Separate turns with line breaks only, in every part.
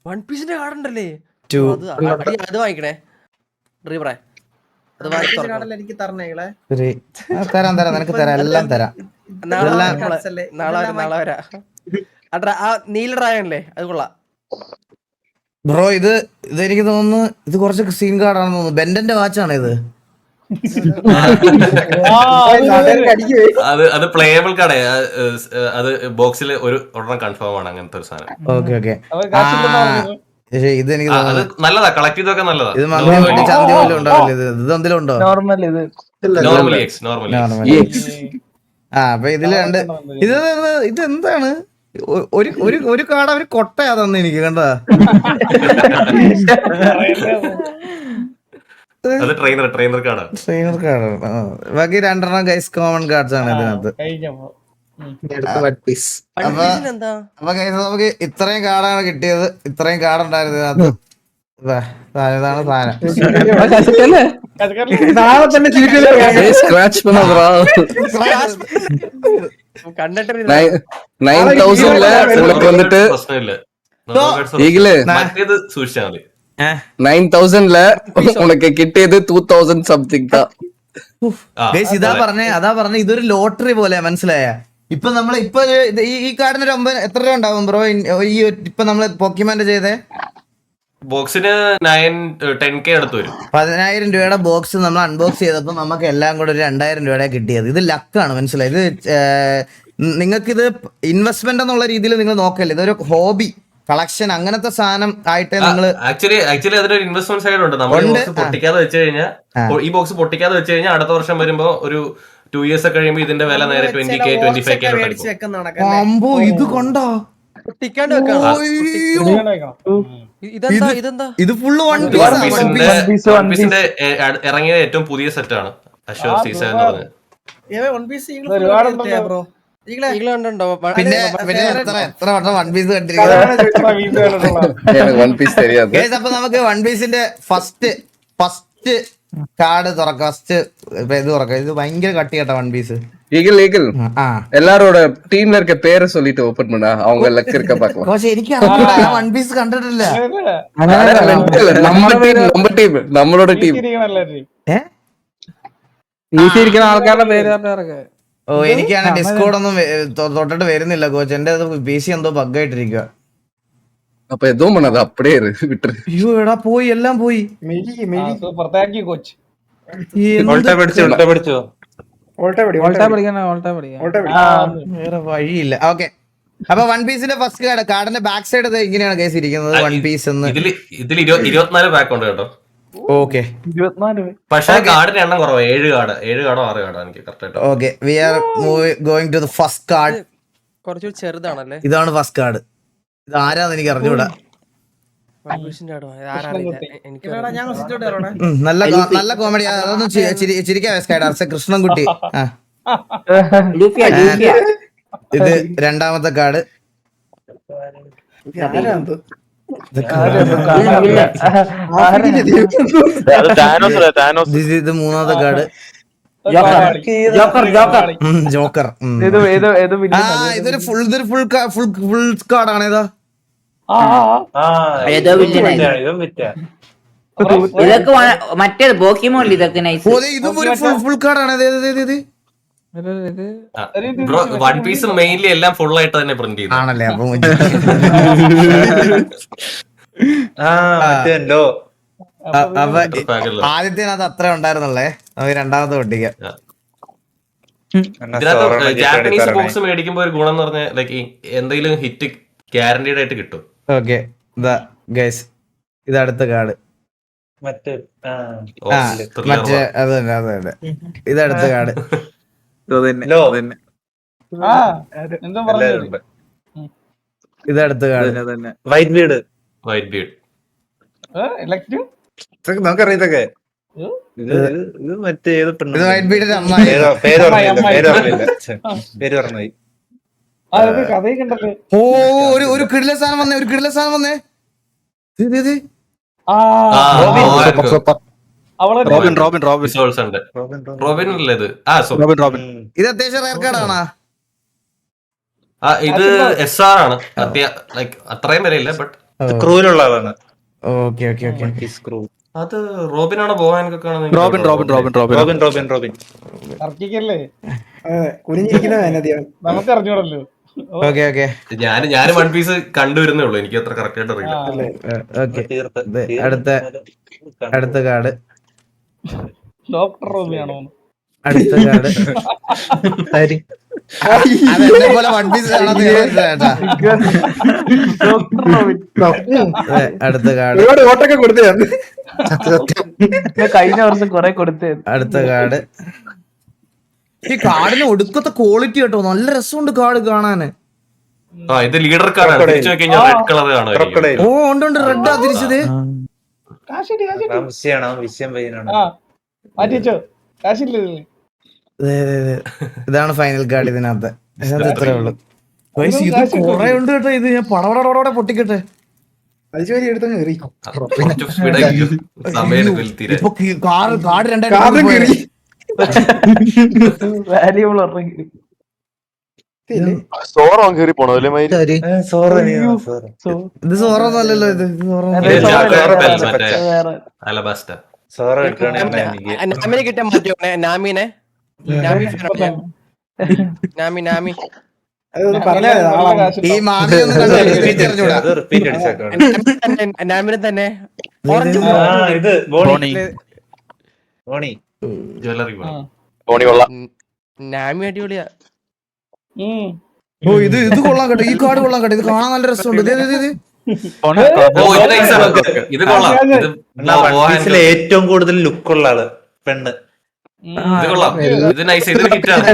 One പീസിന്റെ card ഉണ്ടല്ലേ?
2
അത് വാങ്ങിക്കണേ റീവറേ. അത്
എനിക്ക് തരണേളെ.
3 തരാം നിനക്ക് തരാം, എല്ലാം തരാം.
നാളെ വരാ. ആ നീല ഡ്രാഗണല്ലേ, അത് കൊള്ളാം
ബ്രോ. ഇതെനിക്ക് തോന്നുന്നു ഇത് കുറച്ച് സീൻ കാർഡാണെന്ന് തോന്നുന്നു. ബെൻഡന്റെ വാച്ചാണ് ഇത്.
അത് പ്ലേയബിൾ കാർഡേ. അത് ബോക്സിൽ ഒരെണ്ണം കൺഫേം ആണ്, അങ്ങനത്തെ ഒരു സാധനം.
ഓക്കെ ഇത് എനിക്ക്
നല്ലതാ, കളക്ട് ചെയ്തൊക്കെ നല്ലതാ.
ഇത് ചന്തി പോലും ഉണ്ടാവില്ല. ഇത് എന്തെങ്കിലും ഉണ്ടോ?
നോർമലി.
അപ്പൊ ഇതില് രണ്ട് ഇതെന്താണ്? ഒരു കാർഡ് അവര് കൊട്ടയാ തന്നെ എനിക്ക് കണ്ടാ.
ട്രെയിനർ കാർഡാണ്.
ബാക്കി രണ്ടെണ്ണം ഗൈസ് കോമൺ കാർഡ്സ് ആണ് ഇതിനകത്ത്. അപ്പൊ ഗൈസ് നമുക്ക് ഇത്രയും കാർഡാണ് കിട്ടിയത്. ഇത്രയും കാർഡ് ഉണ്ടായിരുന്നു ഇതിനകത്ത്. ഇതാണ് സാധനം.
സൂക്ഷിച്ചാൽ
9,000ல உனக்கு கிட்டியது 2,000 சம்திங் தான்.
അതാ പറഞ്ഞ ഇതൊരു ലോട്ടറി പോലെ, മനസ്സിലായ? ഇപ്പൊ നമ്മള് ഈ കാർഡിന് എത്ര രൂപ ഉണ്ടാവും ബ്രോ? ഈ ഇപ്പൊ നമ്മള് പോക്കിമാന്റെ ചെയ്തേ
ബോക്സിന് 10K അടുത്ത് വരും.
10,000 രൂപയുടെ ബോക്സ് നമ്മൾ അൺബോക്സ് ചെയ്തപ്പോ നമുക്ക് എല്ലാം കൂടെ ഒരു 2,000 രൂപയുടെ കിട്ടിയത്. ഇത് ലക്കാണ്, മനസ്സിലായി? ഇത് നിങ്ങൾക്കിത് ഇൻവെസ്റ്റ്മെന്റ് എന്നുള്ള രീതിയിൽ നിങ്ങൾ നോക്കല്ലേ, ഇതൊരു ഹോബി കളക്ഷൻ അങ്ങനത്തെ സാധനം ആയിട്ട് നിങ്ങൾ
ആക്ച്വലി അതൊരു ഇൻവെസ്റ്റ്മെന്റ് സൈഡ് ഉണ്ട്. നമ്മൾ പൊട്ടിക്കാതെ വെച്ച് കഴിഞ്ഞാൽ, ഈ ബോക്സ് പൊട്ടിക്കാതെ വെച്ച് കഴിഞ്ഞാൽ അടുത്ത വർഷം വരുമ്പോ ഒരു 2 years ഒക്കെ കഴിയുമ്പോൾ ഇതിന്റെ വില നേരെ 20K 25K
അമ്പോ ഇത് കൊണ്ടോ ഇത് ഫുള്ള് വൺ
പീസിന്റെ ഇറങ്ങിയ ഏറ്റവും പുതിയ സെറ്റാണ് അഷ്യൂർ സീസൺ എന്ന് പറഞ്ഞത്.
പിന്നെ എത്ര വട്ടം വൺ പീസ് കണ്ടിരിക്കുന്നത്. അപ്പൊ നമുക്ക് വൺ പീസിന്റെ ഫസ്റ്റ് കാർഡ് തുറക്കാം. ഫസ്റ്റ് ഇത് തുറക്കാം. ഇത് ഭയങ്കര കട്ടി കേട്ടോ വൺ പീസ്.
எல்லாரோட டீம்ல இருக்க பேரை சொல்லிட்டு ஓபன் பண்ணா அவங்க லக் இருக்க பாக்கலாம்.
പക്ഷെ എനിക്ക് വൺ പീസ് കണ്ടിട്ടില്ല.
നമ്മളോட ടീം ആൾക്കാരുടെ പേര്.
ഓ, എനിക്കാണ് ഡിസ്കോഡ് ഒന്നും തൊട്ടിട്ട് വരുന്നില്ല കോച്ച്. എന്റെ PC എന്തോ ബഗ്ഗായിട്ടിരിക്കുക.
അപ്പൊ എതും പണത് അപ്പടിയേ വിട്ടു.
അയ്യോ എടാ, പോയി, എല്ലാം പോയി. വേറെ വഴിയില്ല. ഓക്കെ, അപ്പൊ വൺ പീസിന്റെ ഫസ്റ്റ് കാർഡിന്റെ ബാക്ക് സൈഡ് ഇങ്ങനെയാണ് കേസ് ഇരിക്കുന്നത്. വൺ പീസ്
ഇതിൽ 24 പാക്ക് ഉണ്ട് കേട്ടോ.
ഓക്കെ,
പക്ഷേ കാർഡിന്റെ എണ്ണം കുറവാ. 7 കാർഡോ 6 കാർഡോ എനിക്ക് correct.
Okay, we are going to the first card.
കുറച്ചുകൂടി ചെറുതാണല്ലേ?
ഇതാണ് ഫസ്റ്റ് കാർഡ്. ഇത് ആരാന്ന് എനിക്ക് അറിഞ്ഞൂടാ. നല്ല കോമഡി. അതൊന്നും ചിരിക്കാൻ കൃഷ്ണൻകുട്ടി. ഇത് രണ്ടാമത്തെ കാർഡ്. ഇത് മൂന്നാമത്തെ കാർഡ്. ജോക്കർ. ഇതൊരു ഫുൾ കാർഡാണ്. ഏതാ?
ഇതൊക്കെ മറ്റേത് പോക്കിമോൻ. ഇതൊക്കെ
ഇതും ഒരു ഫുൾ കാർഡാണ്.
വൺ പീസ് മെയിൻലി എല്ലാം ഫുൾ ആയിട്ട് തന്നെ പ്രിന്റ് ചെയ്തു
ആണല്ലേ? അപ്പൊ ആദ്യത്തേനകത്ത് അത്ര ഉണ്ടായിരുന്നുള്ളേ. നമുക്ക് രണ്ടാമത്തെ പൊട്ടിക്കാം.
ജാപ്പനീസ് ബോക്സ് മേടിക്കുമ്പോ ഒരു ഗുണം എന്ന് പറഞ്ഞാൽ ലൈക്ക് എന്തെങ്കിലും ഹിറ്റ് ഗ്യാരണ്ടീഡ് ആയിട്ട് കിട്ടും.
ഓക്കെ, ഇത് അടുത്ത കാർഡ്. മറ്റേ അത് തന്നെ. ഇത് അടുത്ത കാർഡ്. ഇത് അടുത്ത കാർഡ്.
White Bede.
നമുക്കറിയാം ഇതൊക്കെ.
ഇത് മറ്റേ ഏത് പെണ്ണ്?
ഇത് വൈറ്റ് ബീഡിന്റെ അമ്മ.
പേര് പറഞ്ഞു.
ഓ, ഒരു കിടില സാധനം വന്നേ. ഇത് അത്യാവശ്യം റയർ കാർഡാണോ?
ഇത് SR ആണ്. അത്രയും വരെയില്ല, ബട്ട്
സ്ക്രൂവിലുള്ള ആളാണ്.
Okay okay okay.
ഈ സ്ക്രൂ.
അത് റോബിനാണോ ബോഹാനൊക്കെ
Robin Robin Robin Robin
Robin Robin Robin.
തർക്കിക്കല്ലേ നമുക്ക് അറിഞ്ഞൂടല്ലോ.
ഓക്കെ ഓക്കെ
ഞാൻ വൺ പീസ് കണ്ടുവരുന്നേ ഉള്ളൂ, എനിക്ക് അത്ര കറക്റ്റ് ആയിട്ട് അറിയില്ല.
ഓക്കെ. അടുത്ത കാർഡ്.
ഡോക്ടർ റോബിയാണോ?
അടുത്ത കാർഡ്. അതെന്നെ പോലെ വൺ പീസ് അടുത്ത കാർഡ്.
ഓട്ടൊക്കെ കൊടുത്തേ
കഴിഞ്ഞ വർഷം കൊറേ കൊടുത്തേ.
അടുത്ത കാർഡ്. ഈ കാർഡിന് ഒടുക്കത്തെ ക്വാളിറ്റി കേട്ടോ, നല്ല രസമുണ്ട് കാർഡ് കാണാന്.
ഇത് ലീഡർ കാർഡാണ്, തിരിച്ചു നോക്കിക്കഴിഞ്ഞാൽ റെഡ് കളർ കാണും.
ഓ ഉണ്ട് ഉണ്ട്, റെഡ് ആ തിരിച്ചത്.
വിഷയം പയ്യനാണ്.
മാറ്റിച്ചോ, കാശില്ലേ?
ഇതാണ് ഫൈനൽ കാർഡ് ഇതിനകത്ത്. ഇതിനകത്ത് ഇത്രേ ഉള്ളൂ. ഇത് കൊറേ ഉണ്ട് കേട്ടോ. ഇത് ഞാൻ പടവടോടെ പൊട്ടിക്കട്ടെ. ഇപ്പൊ കാർഡ് രണ്ടായിരം
വാല്യൂബിൾ
ഇത് സോറൊന്നും അല്ലല്ലോ. ഇത്
നാമിനെ കിട്ടാൻ മാറ്റിയോ? നാമിനെ നാമി
ഈ മാമി ഒന്നും
നാമിനെ തന്നെ
ജ്വല്ലറി
നാമി അടിപൊളിയാ.
ഓ ഇത് കൊള്ളാൻ കേട്ടോ. ഈ കാർഡ് കൊള്ളാൻ കേട്ടോ. ഇത് കാണാൻ നല്ല രസമുണ്ട്.
ഇത് കൊള്ളാം.
ഏറ്റവും കൂടുതൽ ലുക്കുള്ള ആള് പെണ്ണ്.
ഇത് കൊള്ളാം. ഇത് നൈസ്. ഇത് ഹിറ്റാണ്.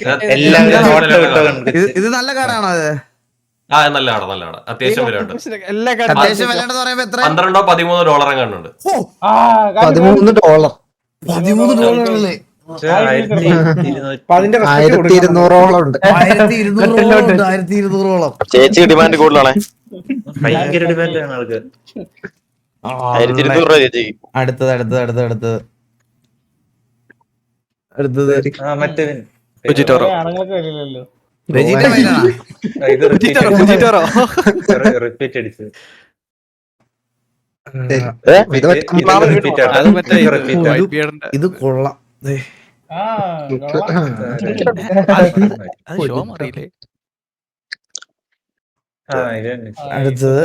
ഇത് നല്ല കാർഡാണോ? അത്
നല്ല കാർഡ്, നല്ല കാർഡ്. അത്യാവശ്യം വിലയുണ്ട്.
അത്യാവശ്യം വിലയുണ്ടെന്ന് പറയുമ്പോ എത്ര?
$12-13 കണ്ടുണ്ട്.
$13. $13 1200
ചേച്ചി ഡിമാൻഡ് കൂടുതലാണ്.
ഭയങ്കര ഡിമാൻഡാണ് ആൾക്ക്.
അടുത്തത്
റിപ്പീറ്റ് അടിച്ച്
ഇത് കൊള്ളാം. അടുത്തത്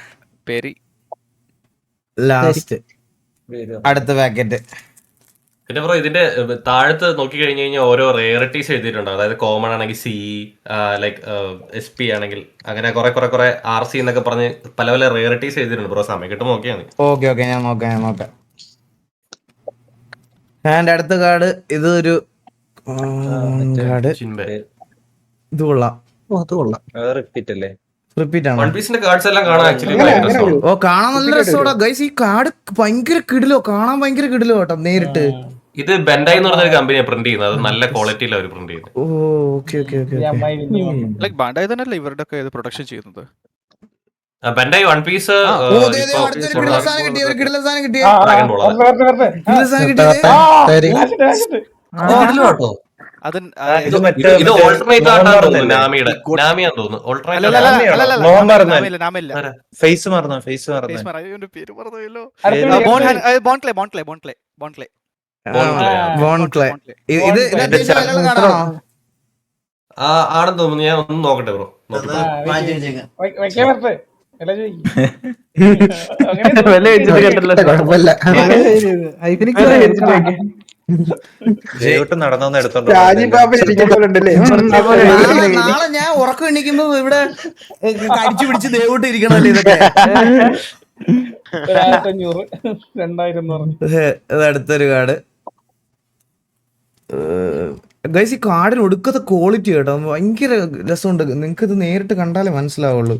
ലാസ്റ്റ് അടുത്ത പാക്കറ്റ്.
പിന്നെ ബ്രോ ഇതിന്റെ താഴത്ത് നോക്കി കഴിഞ്ഞു കഴിഞ്ഞാൽ ഓരോ റേറിറ്റീസ് എഴുതിയിട്ടുണ്ട്. അതായത് കോമൺ ആണെങ്കിൽ സി, ലൈക്ക് SP ആണെങ്കിൽ അങ്ങനെ കുറെ RC എന്നൊക്കെ പറഞ്ഞ് പല പല റേറിറ്റീസ് എഴുതിയിട്ടുണ്ട്. ബ്രോ സമയം കിട്ടും നോക്കിയാണ്.
ഓക്കെ ഞാൻ നോക്കാം. ആൻഡ് അടുത്ത കാർഡ്. ഇതൊരു കാർഡ്. ഇത് കൊള്ളാം.
റിപ്പീറ്റ് അല്ലേ?
റിപ്പീറ്റ് ആണ്.
വൺ പീസിന്റെ കാർഡ്സ് എല്ലാം കാണാൻ ആക്ച്വലി
ഓ കാണാൻ നല്ല രസമാണ് ഗൈസ്. ഈ കാർഡ് ഭയങ്കര കിടിലോ, കാണാൻ ഭയങ്കര കിടിലോ കേട്ടോ നേരിട്ട്.
ഇത് ബെൻഡായി എന്ന് പറഞ്ഞൊരു കമ്പനിയാണ് പ്രിന്റ് ചെയ്യുന്നത്. അത് നല്ല ക്വാളിറ്റിയിൽ അവർ പ്രിന്റ് ചെയ്യുന്നത്.
ഓ ഓക്കെ
ബാൻഡായി തന്നെയല്ലേ ഇവരുടെ ഒക്കെ പ്രൊഡക്ഷൻ ചെയ്യുന്നത്.
ബെൻഡായി വൺ പീസ് ഇത് ഓൾട്ടർനേറ്റ് ആയിട്ടാണ് തോന്നുന്നു. നാമിയാന്ന് തോന്നുന്നു.
ഫേസ് മറന്നു.
ആണെന്ന് തോന്നുന്നു. ഞാൻ ഒന്ന് നോക്കട്ടെ ബ്രോ.
നടന്നു എടുത്തോണ്ട്
നാളെ ഞാൻ ഉറക്കം എണീക്കുമ്പോ ഇവിടെ കടിച്ചു പിടിച്ച് ദേവോട്ട് ഇരിക്കണല്ലേ ഇതൊക്കെ. അടുത്തൊരു കാർഡ്. ഗൈസ് ഈ കാർഡിന് ഒടുക്കത്തെ ക്വാളിറ്റി കേട്ടോ, ഭയങ്കര രസമുണ്ട്. നിങ്ങക്ക് ഇത് നേരിട്ട് കണ്ടാലേ മനസ്സിലാവുള്ളൂ.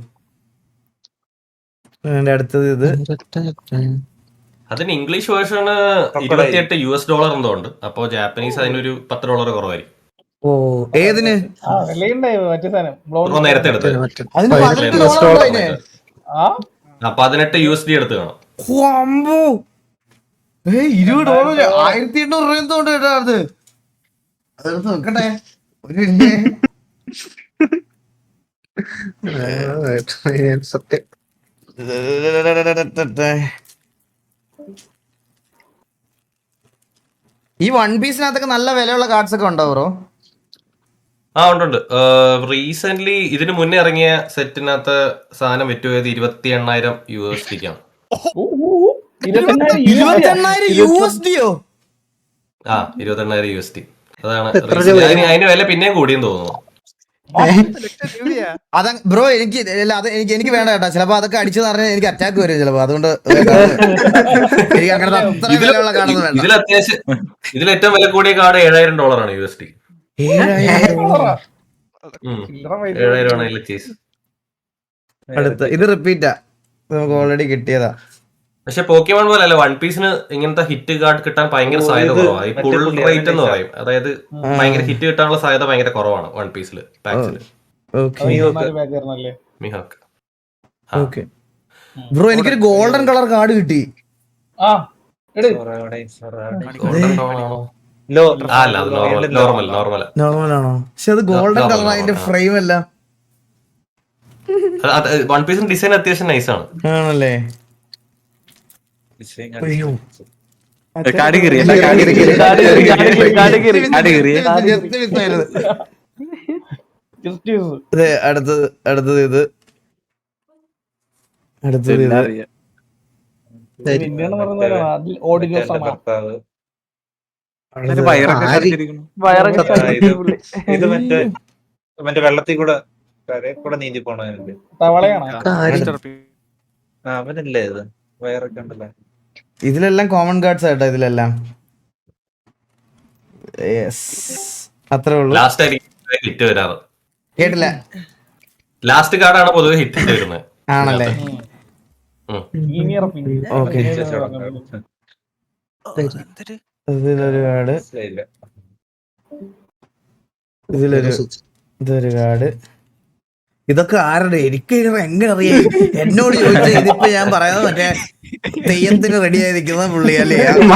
അടുത്തത് ഇത്.
അതിന് ഇംഗ്ലീഷ് വേർഷൻ $28 എന്തോ ഉണ്ട്. അപ്പൊ ജാപ്പനീസ് അതിനൊരു $10 കുറവായിരിക്കും.
ഓ ഏതിന്?
നേരത്തെ എടുത്ത് $18 എടുത്ത് കാണാം.
$20 $1800 എന്തോണ്ട് കേട്ടോ. അതെടുത്ത് നോക്കട്ടെ ഒരു സത്യം. ഈ വൺ പീസിനകത്തൊക്കെ നല്ല വിലയുള്ള കാർഡ്സ് ഒക്കെ ഉണ്ടോ ബ്രോ?
ആ ഉണ്ട്. റീസെന്റ് ഇതിന് മുന്നേ ഇറങ്ങിയ സെറ്റിനകത്ത് സാധനം വിറ്റുപോയത് 28,000 USDക്കാണ്.
28,000 USDയോ?
ആ 28,000 USD. അതാണ് അതിന് വില പിന്നെയും കൂടിയെന്ന് തോന്നുന്നു.
അത ബ്രോ എനിക്ക് വേണ്ട കേട്ടോ. ചിലപ്പോ അതൊക്കെ അടിച്ചു പറഞ്ഞാൽ എനിക്ക് അറ്റാക്ക് വരും ചിലപ്പോ. അതുകൊണ്ട് എനിക്ക് അങ്ങനത്തെ അത്ര വിലയുള്ള കാർഡൊന്നും വേണ്ട.
ഇതിൽ ഏറ്റവും വില കൂടിയ കാർഡ് $7,000 USD. 7,000 കേസ്.
അടുത്ത ഇത് റിപ്പീറ്റാ, നമുക്ക് ഓൾറെഡി കിട്ടിയതാ.
പക്ഷെ പോക്കിമോൺ പോലെ അല്ല, വൺ പീസിന് ഇങ്ങനത്തെ ഹിറ്റ് കാർഡ് കിട്ടാൻ ഭയങ്കര സാധ്യത കുറവാണ്. ഈ പുൾ റേറ്റ് എന്ന് പറയും, അതായത് ഭയങ്കര ഹിറ്റ് കിട്ടാനുള്ള സാധ്യത ഭയങ്കര കുറവാണ് വൺ പീസില് പാക്സില്. മിഹാക്ക്.
ഓക്കെ ബ്രോ, എനിക്കൊരു ഗോൾഡൻ കളർ കാർഡ് കിട്ടി.
അല്ല അത് നോർമൽ
നോർമലാണോ? പക്ഷെ അത് ഗോൾഡൻ കളർ, അതിന്റെ ഫ്രെയിം അല്ല.
വൺ പീസിന്റെ ഡിസൈൻ അത്യാവശ്യം നൈസാണ്.
ആണല്ലേ? അയ്യോ അടുത്തത് ഇത്
ഇത് മറ്റേ വെള്ളത്തിൽ കൂടെ നീന്തി പോണവനുണ്ട്. അവനല്ലേ ഇത് വയറൊക്കെ ഉണ്ടല്ലേ?
ഇതിലെല്ലാം കോമൺ കാർഡ്സ് ആയിട്ടോ ഇതിലെല്ലാം. അത്രേ ഉള്ളൂ.
ലാസ്റ്റ് ആയിരിക്കും ഹിറ്റ് വരാറ്.
കേട്ടില്ല.
ലാസ്റ്റ് കാർഡാണ് പൊതുവെ ഹിറ്റ് വരുന്നത്.
ആണല്ലേ? ഓക്കെ. ഇതിലൊരു കാർഡ്, ഇതൊരു കാർഡ്. ഇതൊക്കെ ആരുടെ? എനിക്ക് എങ്ങനെ അറിയാം? എന്നോട് ചോദിച്ചാൽ ഇതിപ്പോ ഞാൻ പറയുന്നത് മറ്റേ തെയ്യത്തിന് റെഡി ആയി നിൽക്കുന്ന പുള്ളി അല്ലേ?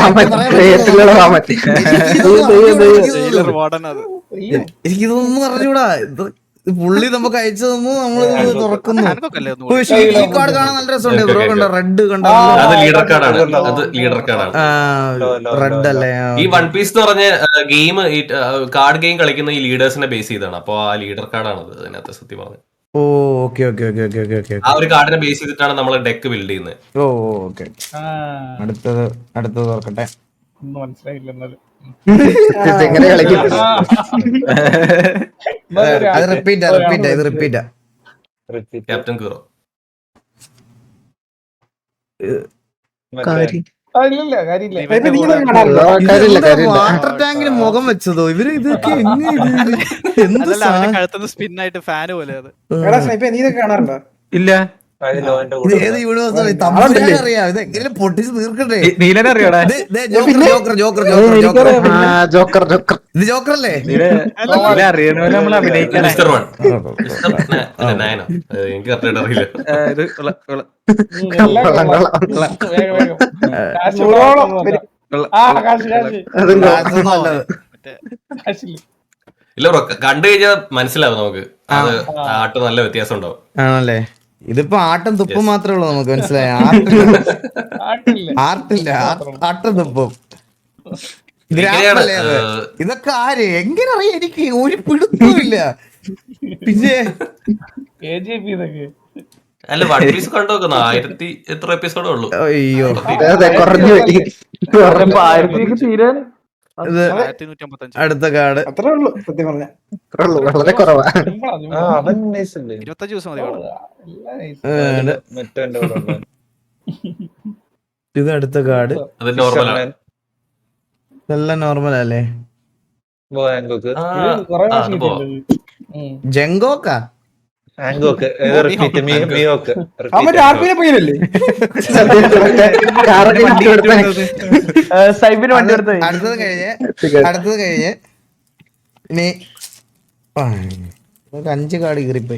എനിക്കിതൊന്നും അറിഞ്ഞൂടാ. പുള്ളി നമുക്ക് അയച്ചു തന്നു, നമ്മളിത് തുറക്കുന്നു. ഈ കാർഡ് കാണാൻ നല്ല രസമുണ്ട് ബ്രോ. കണ്ടോ? റെഡ് കണ്ടോ?
അത് ലീഡർ കാർഡാണ്.
റെഡ് അല്ലേ?
ഈ വൺ പീസ് എന്ന് പറഞ്ഞ ഗെയിം, കാർഡ് ഗെയിം കളിക്കുന്ന ഈ ലീഡേഴ്സിനെ ബേസ് ചെയ്താണ്. അപ്പൊ ആ ലീഡർ കാർഡാണ് അത് അതിനകത്ത് സത്യം പറഞ്ഞത്.
ഓ okay okay okay okay okay okay.
ആ ഒരു കാർഡിനെ ബേസ് ചെയ്തിട്ടാണ് നമ്മൾ ഡെക്ക് ബിൽഡ് ചെയ്യുന്നത്.
ഓ ഓക്കെ. അടുത്തത് ഓർക്കട്ടെ.
മനസ്സിലായില്ല എന്നാലും.
അത് റിപ്പീറ്റാ. ഇത് റിപ്പീറ്റാ.
ക്യാപ്റ്റൻ കീറോ.
വാട്ടർ ടാങ്കിന് മുഖം വെച്ചതോ ഇവര്? ഇതൊക്കെ
സ്പിന്നായിട്ട് ഫാന് പോലെ അത്.
കാണാറുണ്ടോ?
ഇല്ല.
ഇത് ഏത് യൂണിവേഴ്സാണ്? തമിഴ് അറിയാം. ഇത് എങ്ങനെ പൊട്ടിച്ച് തീർക്കട്ടെ?
നീലനെ അറിയോടാ?
ജോക്കർ ഇത് ജോക്കർ അല്ലേ?
അറിയണ നമ്മൾ അഭിനയിക്കാൻ.
Mister one. നയനോ? എനിക്ക് കറക്റ്റായിട്ട് അറിയില്ല. ഇല്ല ബ്രോ, കണ്ടു കഴിഞ്ഞാൽ മനസ്സിലാവും നമുക്ക്. അത് ആട്ട് നല്ല വ്യത്യാസം ഉണ്ടാവും.
ആണല്ലേ? ഇതിപ്പോ ആട്ടും തുപ്പും മാത്രമേ ഉള്ളൂ നമുക്ക്. മനസ്സിലായ? ആർട്ടില്ല, ആട്ടും തുപ്പും. ഗ്രാമല്ലേ അത്? ഇതൊക്കെ ആര് എങ്ങനെ അറിയാം? എനിക്ക് ഒരു പിടുത്തമില്ല. പിന്നെ
അല്ല, വൺ പീസ് കണ്ടു നോക്കുന്ന 1000 എത്ര എപ്പിസോഡേ ഉള്ളൂ.
അയ്യോ, അടുത്ത കാർഡ്
അത്രേ ഉള്ളൂ സത്യം പറഞ്ഞ.
വളരെ കുറവാ.
25 ദിവസം മതി.
ഇത് അടുത്ത കാർഡ്.
അത് നോർമലാണ്.
എല്ലാം നോർമൽ അല്ലേ? ജങ്കോക്കാ? അടുത്തത് കഴിഞ്ഞ് ഇനി 5 കാർഡ് കീറിപ്പോയി.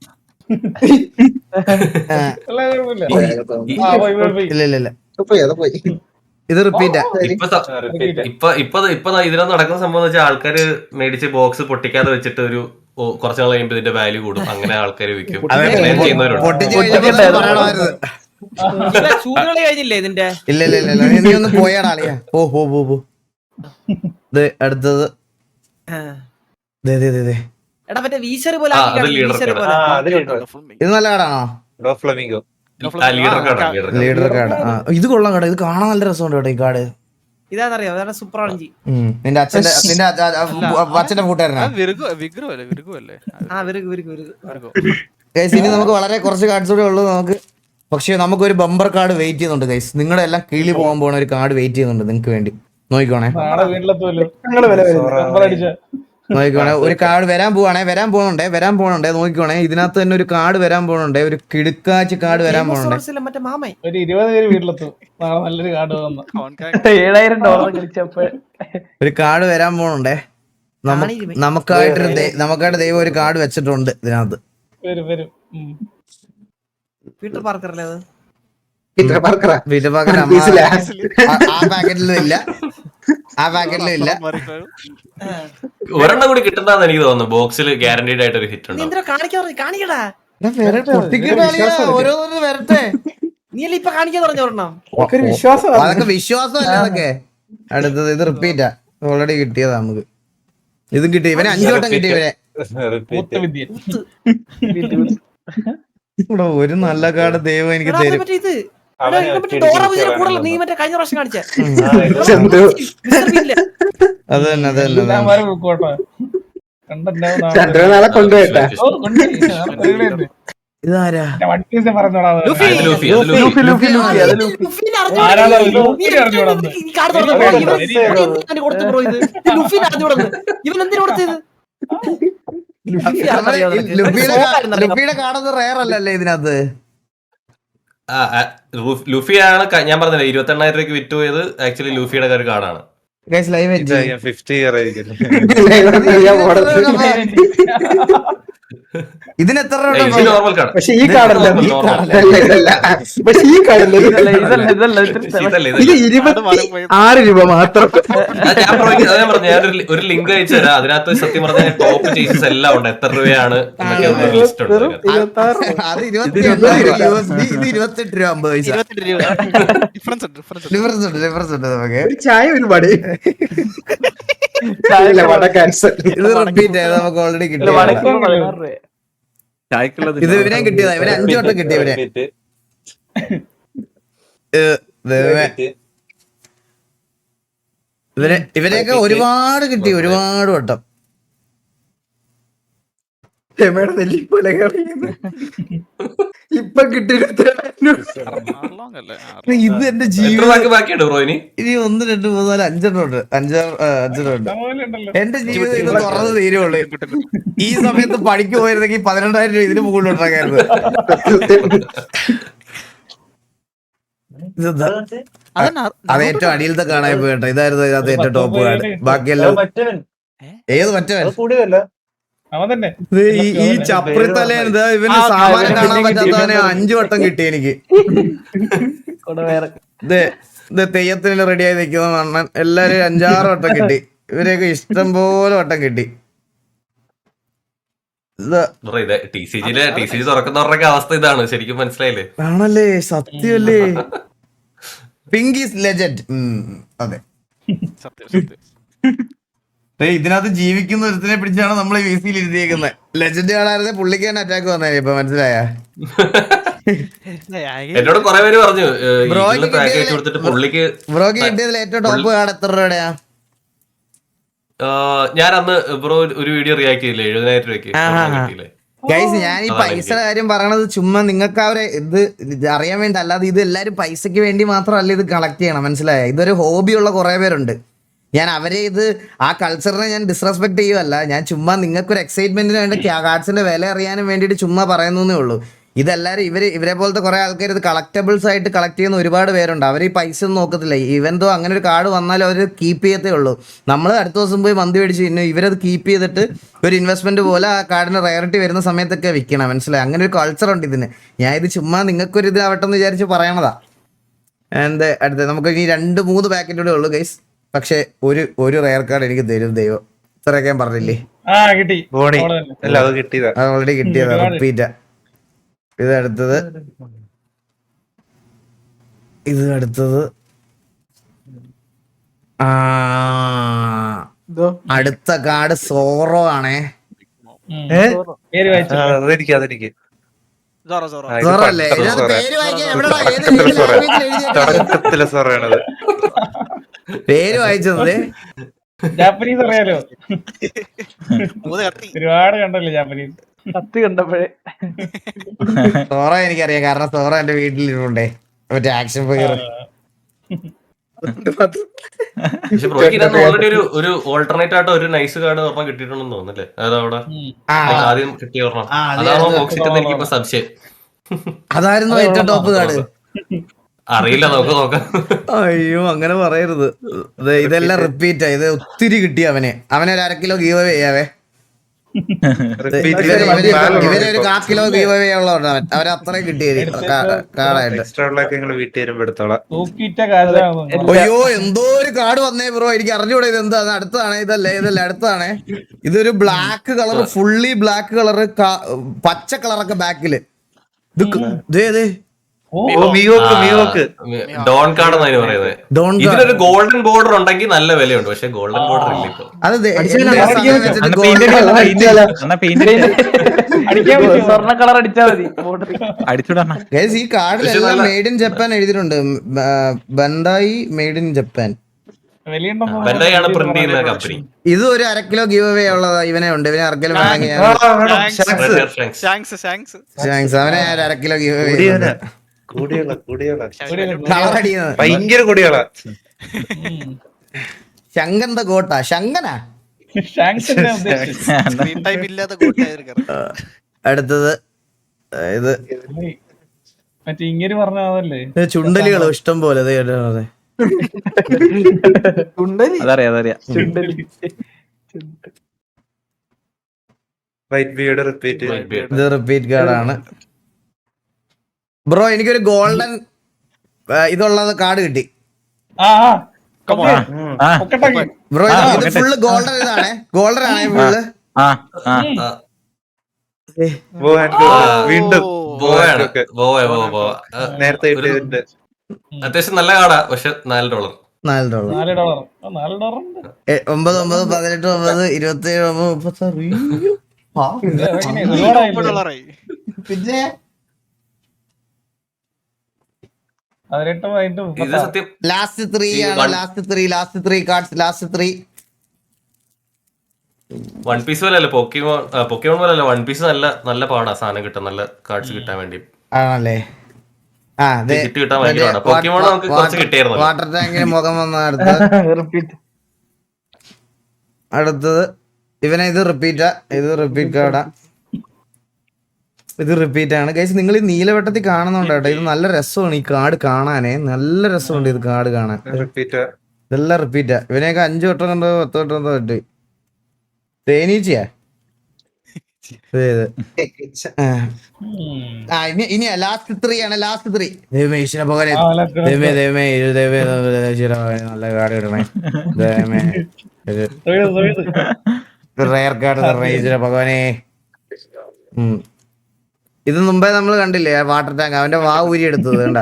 ഇല്ല ഇത് റിപ്പീറ്റാ.
ഇപ്പൊ ഇതിനകത്ത് നടക്കുന്ന സംഭവം വെച്ചാൽ ആൾക്കാര് മേടിച്ച് ബോക്സ് പൊട്ടിക്കാതെ വെച്ചിട്ട് ഒരു കുറച്ച് നാൾ കഴിയുമ്പോൾ ഇതിന്റെ വാല്യൂ കൂടും, അങ്ങനെ ആൾക്കാർ വിൽക്കും,
അതെ,
അങ്ങനെ ചെയ്യുന്നവരുണ്ട്.
പൊട്ടിച്ച് കഴിഞ്ഞപ്പോൾ പറയണമായിരുന്നു.
ചൂതുകളി കഴിഞ്ഞില്ലേ ഇതിന്റെ?
ഇല്ല ഇല്ല ഇല്ല ഇല്ല, നീ ഒന്ന് പോയാടാ അളിയാ. പോ. ദേ അടുത്തത്. ദേ ദേ ദേ ദേ.
എടാ മറ്റേ വീശർ പോലെ
ആ,
ആക്കി
അത്
കാണില്ലേ,
leader
വീശർ
card.
പോലെ.
ഇത് നല്ല കാർഡാണോ?
Flamingo
leader card
leader card. ആ ഇത് കൊള്ളാം കാർഡ്. ഇത് കാണാൻ നല്ല രസമുണ്ട് കേട്ടോ ഈ കാർഡ്.
ഇതാണെന്നറിയോ, അതാണ് സൂപ്പറാളഞ്ചി.
നിന്റെ അച്ഛന്റെ കൂട്ടുകാരനാ.
വിഗ്രഹല്ലേ
ആ വിരുക്ക്
ഗൈസ് ഇനി നമുക്ക് വളരെ കുറച്ച് കാർഡ്സ് കൂടെ ഉള്ളൂ നമുക്ക്. പക്ഷേ നമുക്കൊരു ബമ്പർ കാർഡ് വെയിറ്റ് ചെയ്യുന്നുണ്ട് ഗൈസ്. നിങ്ങളുടെ എല്ലാം കിളി പോകാൻ പോണ ഒരു കാർഡ് വെയിറ്റ് ചെയ്യുന്നുണ്ട് നിങ്ങൾക്ക് വേണ്ടി. നോക്കിക്കോണേ
നാളെ വീട്ടിലെത്തുമല്ലോ. ഞങ്ങള് വില വരുന്നത്
നോക്കിക്കോണേ. ഒരു കാർഡ് വരാൻ പോണുണ്ടേ. നോക്കിക്കോണേ, ഇതിനകത്ത് തന്നെ ഒരു കാർഡ് വരാൻ പോണുണ്ടേ. ഒരു കിടുക്കാച്ച് കാർഡ് വരാൻ പോണുണ്ടേ.
മറ്റേ മാമൻ
ഒരു 20 പേര് വീട്ടിലെത്തും. നാളെ നല്ലൊരു കാർഡ് വന്നു.
$7,000 കളിച്ചപ്പോ
ഒരു കാർഡ് വരാൻ പോണുണ്ടേ. നമുക്കായിട്ട് ദൈവം ഒരു കാർഡ് വെച്ചിട്ടുണ്ട് ഇതിനകത്ത്.
വരും.
പീറ്റർ പാർക്കർ അല്ലേ അത്?
വീട്ടിൽ ആ പാക്കറ്റിലും ഇല്ല.
ഒരെണ്ണം കൂടി കിട്ടുന്നതാന്ന് എനിക്ക് തോന്നുന്നു. ബോക്സിൽ ഗ്യാരണ്ടീഡ് ആയിട്ട് ഒരു ഹിറ്റ്
നീ
ഉണ്ടാവും.
എന്തിനാ കാണിക്കടാ?
ഓരോന്നും വരട്ടെ.
നീ അല്ലേ ഇപ്പൊ കാണിക്കാൻ പറഞ്ഞ ഒരെണ്ണം?
ഒരു വിശ്വാസം
അതൊക്കെ വിശ്വാസമല്ല അതൊക്കെ. അടുത്തത് ഇത് റിപ്പീറ്റാ. ഓൾറെഡി കിട്ടിയതാ നമുക്ക്. ഇതും കിട്ടി. ഇവനെ 5 വട്ടം കിട്ടി. ഇവനെ
വിദ്യ.
ഇവിടെ ഒരു നല്ല കാർഡ് ദൈവം എനിക്ക് തരും.
മറ്റേ ഇത് ഡോറ വിജയുടെ കൂടെ നീ മറ്റേ കഴിഞ്ഞ പ്രാവശ്യം കാണിച്ച
അത് തന്നെ
ഞാൻ വരെ പോയിക്കോട്ടെ. കണ്ടിട്ടുണ്ടാവും നാളെ.
ചന്ദ്രനാളെ കൊണ്ടുപോയിട്ടാ
ഓ, കൊണ്ടുപോയി.
ഇതാരാ?
വണ്ടി പറഞ്ഞോടാ.
ലൂഫി.
ആരാണ് അത്? ലൂഫി അറിഞ്ഞൂടാ.
ഇവൻ എന്തിനു കൊടുത്തത്?
ലുഫിയുടെ കാർഡൊന്നും റയർ അല്ലല്ലേ ഇതിനകത്ത്?
ലൂഫിയാണ് ഞാൻ പറഞ്ഞില്ലേ 28,000 രൂപയ്ക്ക് വിറ്റ് പോയത്. ആക്ച്വലി ലൂഫിയുടെ ഒരു കാർഡാണ്.
ലൈവ്
50 ഇയർ ആയിരിക്കും.
ഇതിന് എത്ര
നോർമൽ കാർഡ്.
പക്ഷെ ഈ കാർഡല്ല. പക്ഷെ ഈ കാർഡല്ല. ഇത് 26 രൂപ മാത്രം.
ഞാൻ പറഞ്ഞു ഞാനൊരു ലിങ്ക് അയച്ചു തരാം. അതിനകത്ത് സത്യം പറഞ്ഞ ടോപ്പ് ചേസസ് എല്ലാം ഉണ്ട്. എത്ര രൂപയാണ് ലിസ്റ്റ് ഉണ്ട്.
അത് 28 രൂപ 50 ഡിഫറൻസ് ഉണ്ട് നമുക്ക്.
ഒരു ചായ ഒരുപാട് ക്യാൻസൽ.
ഇത് റിപ്പീറ്റ് ആയത് നമുക്ക് ഓൾറെഡി കിട്ടി. ഇത് ഇവനെ കിട്ടിയതാ. ഇവനെ 5 വട്ടം കിട്ടി. ഇവരെയൊക്കെ ഒരുപാട് കിട്ടി. ഒരുപാട് വട്ടം. ഇപ്പൊ കിട്ടി. ഇത് എന്റെ ജീവിതം.
ബാക്കിയുണ്ട് ബ്രോ ഇനി.
ഇനി 1 2 3 4 5 ഉണ്ട്. 5 ഉണ്ട്. എന്റെ ജീവിതം ഇത് തുറന്ന് തീരുള്ളൂ. ഈ സമയത്ത് പണിക്ക് പോയിരുന്നെങ്കിൽ 12,000 രൂപ ഇതിന് മുകളിൽ ഉണ്ടാക്കായിരുന്നു. അത് ഏറ്റവും അടിയിലത്തെ കാണാൻ പോയിട്ടോ. ഇതായിരുന്നു ഇതിനകത്ത് ഏറ്റവും ടോപ്പ് കാർഡ്. ബാക്കിയെല്ലാം ഏത് മറ്റവൻ
അവൻ തന്നെ.
ഈ ചപ്രിത്തലേൻ ഇവന് സാമാനം കാണാൻ പറ്റാത്തവനെ 5 വട്ടം കിട്ടി എനിക്ക്. തെയ്യത്തിന് റെഡിയായി നിൽക്കുന്ന മണ്ണൻ എല്ലാരും 5-6 വട്ടം കിട്ടി. ഇവരെയൊക്കെ ഇഷ്ടം പോലെ വട്ടം കിട്ടി.
TCG തുറക്കുന്നവരുടെ അവസ്ഥ ഇതാണ്. ശരിക്കും മനസ്സിലായില്ലേ?
ആണല്ലേ, സത്യമല്ലേ. Pink is legend. അതെ, ഇതിനകത്ത് ജീവിക്കുന്ന ഒരുത്തിനെ പിടിച്ചാണ് നമ്മൾ ഈ VC-യിൽ ഇരുത്തിയേക്കുന്നത്. ലെജൻഡ് കാണാതെ പുള്ളിക്ക് തന്നെ അറ്റാക്ക് വന്നേ. ഇപ്പൊ മനസ്സിലായ?
എന്നോട് കുറെ പേര് പറഞ്ഞു പുള്ളിക്ക്.
ബ്രോക്ക് കിട്ടിയതിൽ ഏറ്റവും ടോപ്പ് കാർഡ് എത്ര രൂപയുടെയാ?
ഞാൻ അന്ന് ബ്രോ ഒരു വീഡിയോ റിയാക്ട് ചെയ്തില്ലേ 70,000 രൂപയ്ക്ക്.
ഗൈസ്, ഞാൻ ഈ പൈസയുടെ കാര്യം പറയണത് ചുമ്മാ നിങ്ങൾക്ക് അവരെ ഇത് അറിയാൻ വേണ്ടി, അല്ലാതെ ഇത് എല്ലാവരും പൈസക്ക് വേണ്ടി മാത്രമല്ല ഇത് കളക്ട് ചെയ്യണം. മനസ്സിലായ? ഇതൊരു ഹോബിയുള്ള കുറെ പേരുണ്ട്. ഞാൻ അവരെ ആ കൾച്ചറിനെ ഞാൻ ഡിസ്റെസ്പെക്ട് ചെയ്യുമല്ല. ഞാൻ ചുമ്മാ നിങ്ങൾക്കൊരു എക്സൈറ്റ്മെന്റിന് വേണ്ടി കാർഡ്സിന്റെ വില അറിയാനും വേണ്ടിയിട്ട് ചുമ്മാ പറയുന്നേ ഉള്ളൂ. ഇതെല്ലാവരും ഇവരെ പോലത്തെ കുറെ ആൾക്കാർ ഇത് കളക്റ്റബിൾസ് ആയിട്ട് കളക്ട് ചെയ്യുന്ന ഒരുപാട് പേരുണ്ട്. അവർ ഈ പൈസ ഒന്നും നോക്കത്തില്ല. ഇവന്തോ അങ്ങനെ ഒരു കാർഡ് വന്നാലും അവർ കീപ്പ് ചെയ്യത്തേ ഉള്ളൂ. നമ്മൾ അടുത്ത ദിവസം പോയി മന്തി മേടിച്ച് പിന്നെ ഇവരത് കീപ്പ് ചെയ്തിട്ട് ഒരു ഇൻവെസ്റ്റ്മെന്റ് പോലെ ആ കാർഡിന് റയറിറ്റി വരുന്ന സമയത്തൊക്കെ വിൽക്കണം. മനസ്സിലായി? അങ്ങനെ ഒരു കൾച്ചർ ഉണ്ട് ഇതിന്. ഞാൻ ഇത് ചുമ്മാ നിങ്ങൾക്കൊരു ഇതാവട്ടെ എന്ന് വിചാരിച്ച് പറയണതാ. അടുത്ത നമുക്ക് ഇനി 2-3 പാക്കറ്റ് കൂടെ ഉള്ളൂ ഗൈസ്. പക്ഷെ ഒരു റയർ കാർഡ് എനിക്ക് തരും ദൈവം. ഇത്രയൊക്കെ ഞാൻ പറഞ്ഞില്ലേ.
ആ കിട്ടി
ബോണി
അവള് തന്നെ.
അല്ല അത് കിട്ടിയതാ.
അത് ഓൾറെഡി കിട്ടിയതാ,
ഒരുപാട്.
റിപ്പീറ്റാ. ഇത് അടുത്തത് ആ അടുത്ത കാർഡ് സോറോ ആണേ.
ഉം.
ഏ?
പേര് വായിച്ചു
അതെനിക്ക് ആ, ഇത്
സോറോ അല്ലേ?
പണ്ടത്തെ
ഇതിനകത്ത്
സോറ.
പേര് വായിക്കാൻ എവിടെടാ? ഏത്
തുടക്കത്തിലെ സോറ.
ലാംഗ്വേജിൽ എഴുതിയേക്കുന്നത്?
തുടക്കത്തിലെ സോറയാണത്.
പേര് വായിച്ചത്
ജാപ്പനീസ് അറിയാലോ. ഒരുപാട് കണ്ടല്ലോ ജാപ്പനീസ്.
കത്തി കണ്ടപ്പോഴേ
സോറ എനിക്കറിയാം, കാരണം സോറ എന്റെ വീട്ടിലിരുന്നുണ്ടേ, മറ്റേ ആക്ഷൻ ഫിഗർ.
പക്ഷെ ബ്രോയ്ക്ക് ഇതിനകത്ത് ഓൾറെഡി ഒരു ഓൾട്ടർനേറ്റ് ആയിട്ട് ഒരു നൈസ് കാർഡ് ഒരെണ്ണം കിട്ടിയിട്ടുണ്ടെന്ന് തോന്നുന്നല്ലേ? അതായത് അവിടെ like ആദ്യം കിട്ടിയ ഒരെണ്ണം അതാണോ ബോക്സ് ഇട്ടെന്ന് എനിക്കിപ്പോ സംശയം.
അതായിരുന്നു ഏറ്റവും ടോപ്പ് കാർഡ്.
അറിയില്ല, നമുക്ക് നോക്കാം.
അയ്യോ അങ്ങനെ പറയരുത്. ഇതെല്ലാം റിപ്പീറ്റാ. ഇത് ഒത്തിരി കിട്ടി അവനെ ഒരു 1/2 കിലോ ഗീവ് അവേ ചെയ്യാവേ. ഇവരെ ഒരു 1/4 കിലോ ഗീവ് അവേ ഉള്ളവരാണ് അവര് അത്രയും കിട്ടിയത് കാർഡായിട്ട്.
എക്സ്ട്രാ ഉള്ളതൊക്കെ ഞങ്ങള് വീട്ടിൽ വരുമ്പോ എടുത്തോളാം.
തൂക്കിയിട്ട കാലമാണ്.
അയ്യോ എന്തോ ഒരു കാർഡ് വന്നേ ബ്രോ, എനിക്ക് അറിഞ്ഞൂടെ ഇത് എന്താ. അടുത്താണ്, ഇതല്ല അടുത്താണ്. ഇതൊരു black colour, fully black colour, പച്ച കളറൊക്കെ ബാക്കില്. ഇത്
മിയോക്ക്
ഡോൺ കാർഡ് എന്നാണ് പറയുന്നത്.
ഡോൺ
ഇതിനൊരു ഗോൾഡൻ ബോർഡർ ഉണ്ടെങ്കിൽ നല്ല വിലയുണ്ട്, പക്ഷെ ഗോൾഡൻ ബോർഡർ ഇല്ല ഇപ്പൊ.
അത്
സ്വർണ്ണ കളർ അടിച്ചാ മതി ബോർഡറിൽ.
ഈ കാർഡിലെല്ലാം മെയ്ഡ് ഇൻ ജപ്പാൻ എഴുതിയിട്ടുണ്ട്. Bandai made in Japan.
Bandai ആണ് പ്രിന്റ് ചെയ്യുന്ന കമ്പനി.
ഇത് ഒരു 1/2 കിലോ ഗീവ് അവേ ഉള്ളതാ. ഇവനെ ഉണ്ട്, ഇവനെ ആർക്കെങ്കിലും വേണമെങ്കിൽ അവനെ 1/2 കിലോ ഗീവ് അവേ. കളറടിക്കുന്നത്
ഭയങ്കര കുടികളാ.
ശങ്കന്ത കോട്ട, ശങ്കനാ. അടുത്തത് ഇത്
മറ്റേ ഇങ്ങനെ പറഞ്ഞതല്ലേ.
ചുണ്ടലികളോ ഇഷ്ടം പോലെ. അതെ
അതറിയാം.
വൈറ്റ് ബിയുടെ റിപ്പീറ്റ്.
ഇത് റിപ്പീറ്റ് കാർഡാണ് ബ്രോ. എനിക്കൊരു ഗോൾഡൻ ഇതുള്ളത് കാർഡ് കിട്ടി ബ്രോ. ഇത് ഫുള്ള് ഗോൾഡൻ ഇതാണ്. ഗോൾഡൻ ആണ് ഫുള്ള്.
വീണ്ടും നേരത്തെ ഇട്ടതിന്റെ
അത്യാവശ്യം നല്ല കാർഡാ, പക്ഷെ $4.
$4.
$4 $4
9 9 18 9 27 36. പിന്നെ
18
ഇത് സത്യം
ലാസ്റ്റ് 3 ആണ്. Last 3 cards. Last 3
one piece പോലെ അല്ല, പൊക്കിമോൺ പോലെ അല്ല. വൺ പീസ് നല്ല പാടാ സാധനം കിട്ടാൻ, നല്ല കാർഡ്സ് കിട്ടാൻ വേണ്ടി.
ആണല്ലേ? ആ
കിറ്റ് കിട്ടാൻ ഭയങ്കര പാടാ. പൊക്കിമോൺ നമുക്ക് കുറച്ച് കിട്ടിയായിരുന്നു.
വാട്ടർ ടാങ്കിന് മുഖം വന്ന അടുത്തത് ഇവനെ. ഇത് റിപ്പീറ്റാ. ഇത് റിപ്പീറ്റ് കാർഡാ. ഇത് റിപ്പീറ്റ് ആണ് ഗൈസ്. നിങ്ങൾ ഈ നീലവട്ടത്തിൽ കാണുന്നുണ്ട് കേട്ടോ. ഇത് നല്ല രസമാണ് ഈ കാർഡ് കാണാനേ. നല്ല രസമുണ്ട് ഇത് കാർഡ് കാണാൻ.
റിപ്പീറ്റ്
ഇതെല്ലാം റിപ്പീറ്റാ. ഇവനെയൊക്കെ 5 വട്ടം കണ്ടോ 10 വട്ടം കണ്ടോ പറ്റി. തേനീച്ചയാ ഇനി ലാസ്റ്റ് 3 ആണ്. ലാസ്റ്റ് 3 ദൈവമേ ഈശ്വര ഭഗവാനെ. ദൈവമേ നല്ല കാർഡ് ഇടണേ. ദൈവമേ റയർ കാർഡ് തരണേ ഈശ്വര ഭഗവാനെ. ഇത് മുമ്പേ നമ്മൾ കണ്ടില്ലേ വാട്ടർ ടാങ്ക്. അവന്റെ വാ ഊരി എടുത്തത് കണ്ട.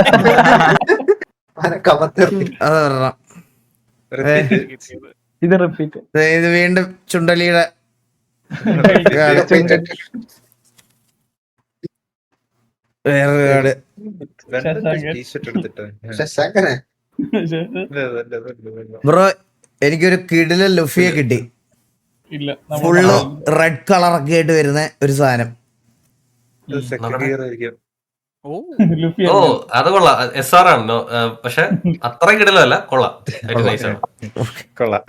അത് വരണം.
ഇത് റിപ്പീറ്റ്.
ഇത് വീണ്ടും ചുണ്ടലിയുടെ വേറൊരു കാർഡ്. ബ്രോ എനിക്കൊരു കിടിലൻ ലുഫിയെ കിട്ടി.
ഇല്ല
ഫുള്ള് റെഡ് കളറൊക്കെ ആയിട്ട് വരുന്ന ഒരു സാധനം.
ഓ അത് കൊള്ളാം. SR ആണ്, പക്ഷെ അത്ര കിടലല്ല. കൊള്ളാം, നൈസ് ആണ്.
കൊള്ളാം.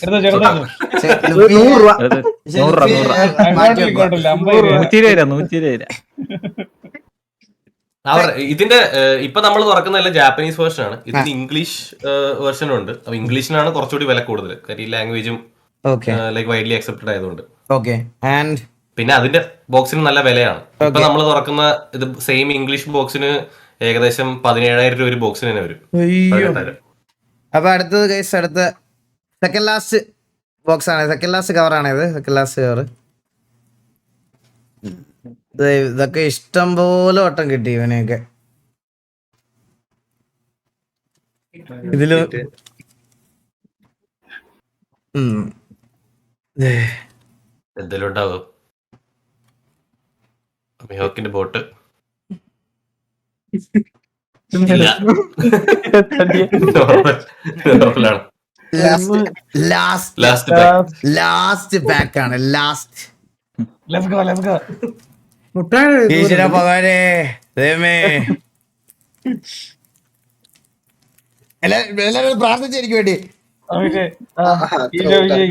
ഇതിന്റെ ഇപ്പൊ നമ്മൾ തുറക്കുന്നതല്ല ജാപ്പനീസ് വേർഷൻ ആണ്. ഇതിന് ഇംഗ്ലീഷ് വേർഷനും ഉണ്ട്. അപ്പൊ ഇംഗ്ലീഷിനാണ് കുറച്ചുകൂടി വില കൂടുതൽ, കാര്യം ഈ ലാംഗ്വേജും ലൈക്ക് വൈഡ്ലി അക്സെപ്റ്റഡ് ആയതുകൊണ്ട്. പിന്നെ അതിന്റെ ബോക്സിന് നല്ല വിലയാണ്. ഇപ്പൊ നമ്മൾ തുറക്കുന്ന ഇത് സെയിം ഇംഗ്ലീഷ് ബോക്സിന് ഏകദേശം 17,000 രൂപ ഒരു ബോക്സിന് തന്നെ വരും.
അപ്പൊ അടുത്തത് ഗൈസ്, അടുത്ത സെക്കൻഡ് ലാസ്റ്റ് ബോക്സ് ആണ്, സെക്കൻഡ് ലാസ്റ്റ് കവർ ആണ് ഇത്, സെക്കൻഡ് ലാസ്റ്റ് കവർ. ഇതൊക്കെ ഇഷ്ടം പോലെ വട്ടം കിട്ടി ഇവനെയൊക്കെ. ഇതില്
എന്തെങ്കിലും ഉണ്ടാവും. മിഹോക്കിന്റെ ബോട്ട് നോർമലാണ്.
ലാസ്റ്റ് ബാക്ക് ആണ്, last.
Let's go let's go.
ഈശ്വര ഭഗവാനെ ദൈവമേ, എല്ലാരും പ്രാർത്ഥിച്ചു എനിക്ക് വേണ്ടി.
നമുക്ക് ഈ